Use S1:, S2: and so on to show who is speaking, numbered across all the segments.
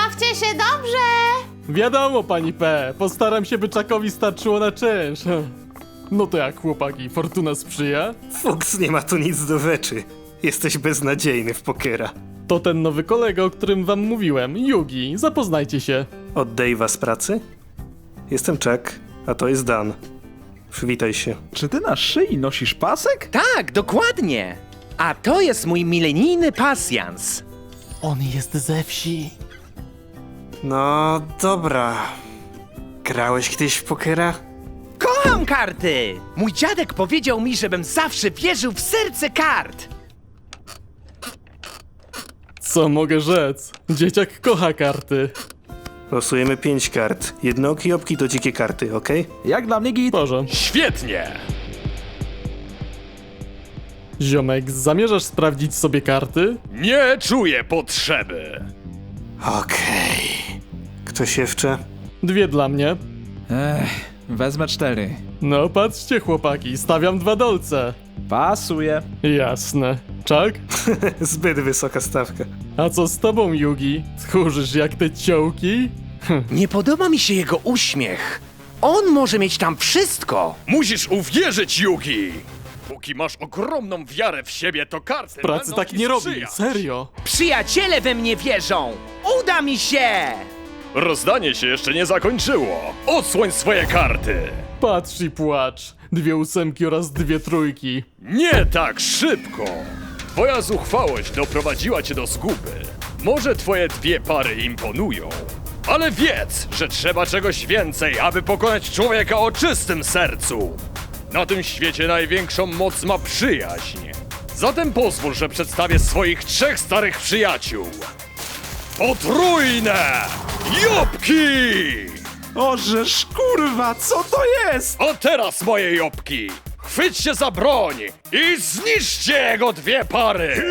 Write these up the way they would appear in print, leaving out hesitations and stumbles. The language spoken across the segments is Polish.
S1: Bawcie się dobrze!
S2: Wiadomo, pani P. Postaram się, by Czakowi starczyło na czynsz. No to jak, chłopaki, fortuna sprzyja?
S3: Fuks, nie ma tu nic do rzeczy. Jesteś beznadziejny w pokera.
S2: To ten nowy kolega, o którym wam mówiłem, Yugi. Zapoznajcie się.
S3: Od Dave'a z pracy? Jestem Chuck, a to jest Dan. Przywitaj się.
S4: Czy ty na szyi nosisz pasek?
S5: Tak, dokładnie. A to jest mój milenijny pasjans.
S2: On jest ze wsi.
S3: No, dobra. Grałeś kiedyś w pokera?
S5: Kocham karty! Mój dziadek powiedział mi, żebym zawsze wierzył w serce kart.
S2: Co mogę rzec? Dzieciak kocha karty.
S3: Losujemy 5 kart. Jednooki opki to dzikie karty, okej?
S4: Jak dla mnie git.
S2: Boże.
S6: Świetnie!
S2: Ziomek, zamierzasz sprawdzić sobie karty?
S6: Nie czuję potrzeby.
S3: Okej. Ktoś jeszcze?
S2: 2 dla mnie.
S4: Wezmę 4.
S2: No patrzcie, chłopaki, stawiam 2 dolce.
S4: Pasuje.
S2: Jasne. Czak?
S3: Zbyt wysoka stawka.
S2: A co z tobą, Yugi? Tchórzysz jak te ciołki?
S5: Nie podoba mi się jego uśmiech. On może mieć tam wszystko.
S6: Musisz uwierzyć, Yugi! Póki masz ogromną wiarę w siebie, to karty
S2: Pracy
S6: będą
S2: tak
S6: ci
S2: nie robi,
S6: sprzyjać.
S2: serio.
S5: Przyjaciele we mnie wierzą. Uda mi się!
S6: Rozdanie się jeszcze nie zakończyło. Odsłoń swoje karty!
S2: Patrz i płacz. 2 ósemki oraz 2 trójki.
S6: Nie tak szybko! Twoja zuchwałość doprowadziła cię do zguby. Może twoje 2 pary imponują, ale wiedz, że trzeba czegoś więcej, aby pokonać człowieka o czystym sercu. Na tym świecie największą moc ma przyjaźń. Zatem pozwól, że przedstawię swoich 3 starych przyjaciół. Potrójne Jobki!
S4: Ożeż kurwa, co to jest?
S6: A teraz, moje Jobki, chwyćcie za broń i zniszczcie jego 2 pary!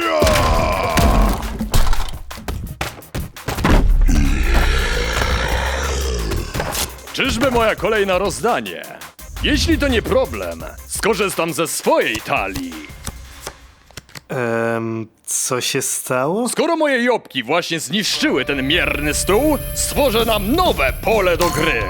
S6: Czyżby moja kolej na rozdanie? Jeśli to nie problem, skorzystam ze swojej talii.
S3: Co się stało?
S6: Skoro moje Jobki właśnie zniszczyły ten mierny stół, stworzę nam nowe pole do gry.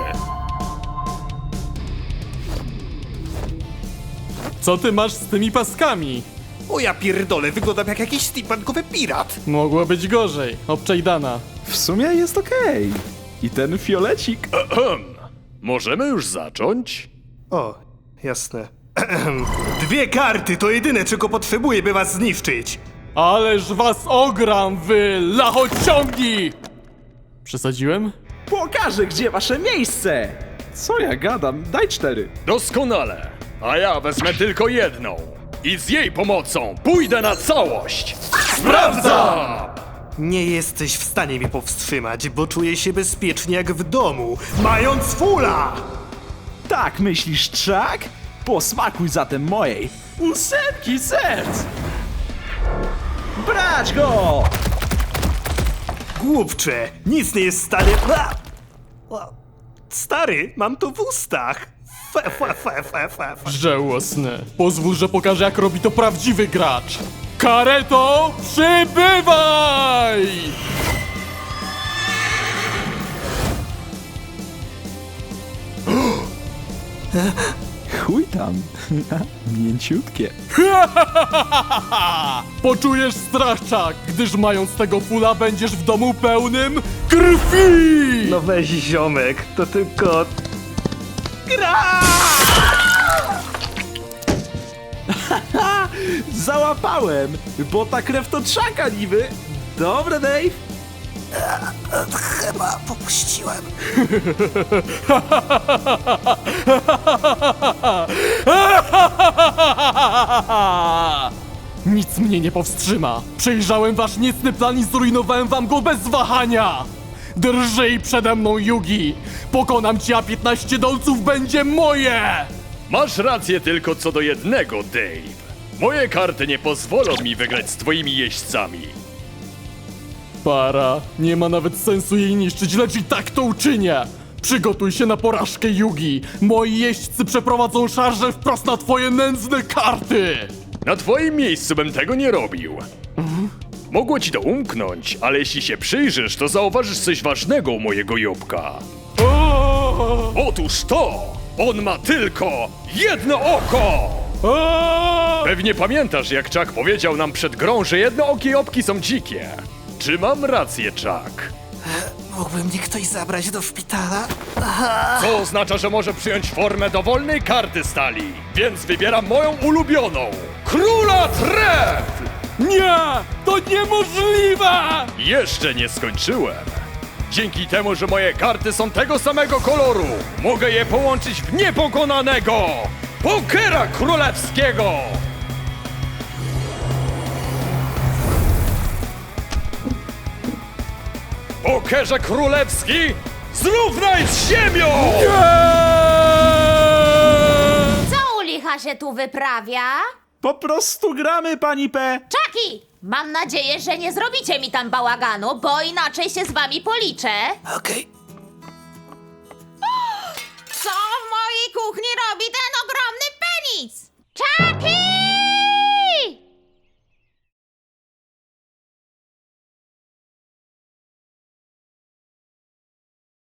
S2: Co ty masz z tymi paskami?
S3: O ja pierdolę, wyglądam jak jakiś steampunkowy pirat.
S2: Mogło być gorzej. Obczaj Dana.
S4: W sumie jest okej. I ten fiolecik.
S6: Możemy już zacząć?
S3: O, jasne. 2 karty to jedyne, czego potrzebuję, by was zniszczyć.
S2: Ależ was ogram, wy lachociągi! Przesadziłem?
S4: Pokażę, gdzie wasze miejsce. Co ja gadam? Daj 4.
S6: Doskonale. A ja wezmę tylko jedną. I z jej pomocą pójdę na całość. Sprawdzam!
S3: Nie jesteś w stanie mnie powstrzymać, bo czuję się bezpiecznie jak w domu, mając fula!
S4: Tak myślisz, Chuck? Posmakuj zatem mojej 8 serc! Brać go!
S3: Głupcze, nic nie jest w stanie... Stary, mam to w ustach. Fe.
S2: Żałosne. Pozwól, że pokażę, jak robi to prawdziwy gracz. Kareto, przybywaj!
S4: Chuj tam. Mięciutkie.
S2: Poczujesz strach, Chuck, gdyż mając tego fula będziesz w domu pełnym krwi!
S3: No weź ziomek, to tylko...
S4: Załapałem, bo ta krew to Chucka niby. Dobre, Dave.
S3: Chyba popuściłem.
S2: Nic mnie nie powstrzyma. Przejrzałem wasz niecny plan i zrujnowałem wam go bez wahania. Drżyj przede mną, Yugi. Pokonam cię, a 15 dolców będzie moje!
S6: Masz rację tylko co do jednego, Dave. Moje karty nie pozwolą mi wygrać z twoimi jeźdźcami.
S2: Para, nie ma nawet sensu jej niszczyć, lecz i tak to uczynię! Przygotuj się na porażkę, Yugi! Moi jeźdźcy przeprowadzą szarże wprost na twoje nędzne karty!
S6: Na twoim miejscu bym tego nie robił. Mogło ci to umknąć, ale jeśli się przyjrzysz, to zauważysz coś ważnego u mojego Jobka. Otóż to! On ma tylko jedno oko! Pewnie pamiętasz, jak Chuck powiedział nam przed grą, że jednookie Jobki są dzikie. Czy mam rację, Chuck?
S3: Mógłby mnie ktoś zabrać do szpitala?
S6: Co oznacza, że może przyjąć formę dowolnej karty stali. Więc wybieram moją ulubioną. Króla Tref!
S2: Nie! To niemożliwe!
S6: Jeszcze nie skończyłem. Dzięki temu, że moje karty są tego samego koloru, mogę je połączyć w niepokonanego Pokera Królewskiego! Pokerze Królewski, zrównaj z ziemią!
S1: Co u licha się tu wyprawia?
S4: Po prostu gramy, pani P.
S1: Czaki! Mam nadzieję, że nie zrobicie mi tam bałaganu, bo inaczej się z wami policzę.
S3: Okej.
S1: Co w mojej kuchni robi ten